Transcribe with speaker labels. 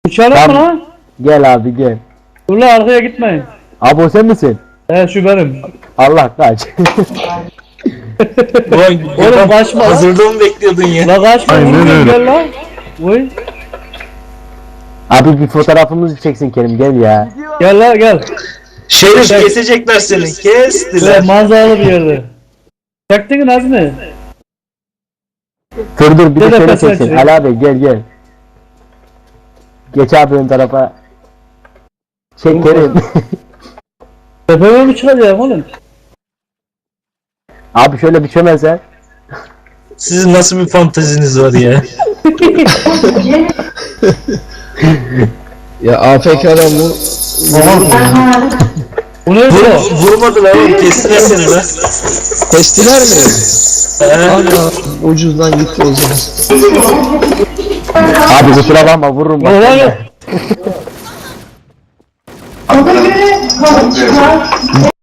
Speaker 1: Uçalım mı
Speaker 2: Tamam.
Speaker 1: lan?
Speaker 2: Gel abi gel.
Speaker 1: Dur lan arkaya gitmeyin.
Speaker 2: Abi o sen misin?
Speaker 1: Şu benim.
Speaker 2: Allah kaç.
Speaker 1: Oğlum kaçma lan.
Speaker 3: Hazırda mı bekliyordun ya?
Speaker 1: La kaçma.
Speaker 4: Aynen
Speaker 1: Aynen
Speaker 4: öyle.
Speaker 1: Gel lan. Oy.
Speaker 2: Abi bir fotoğrafımızı çeksin Kerim gel ya.
Speaker 1: Gel lan gel.
Speaker 3: Şerif kesecekler seni.
Speaker 1: Böyle
Speaker 3: Kestiler.
Speaker 1: manzaralı bir yerde. Çaktın mı Nazmi?
Speaker 2: Dur bir de
Speaker 1: Gel
Speaker 2: şöyle
Speaker 1: arkasına
Speaker 2: çeksin.
Speaker 1: çek.
Speaker 2: Ali abi gel. Geç abi ön tarafa. Çek Kerim.
Speaker 1: Tepeme mi çıkacağım oğlum?
Speaker 2: Abi şöyle bir çömelsen.
Speaker 3: Sizin nasıl bir fanteziniz var ya?
Speaker 4: Ya AFK'dan bu
Speaker 1: Bu ne bu?
Speaker 3: Vurmadılar oğlum. Kestiler seni lan.
Speaker 4: kestiler mi?
Speaker 3: He.
Speaker 4: Ana ucuzdan gitti o zaman.
Speaker 2: Abi kusura bakma vururum bak.
Speaker 1: Ulan ya.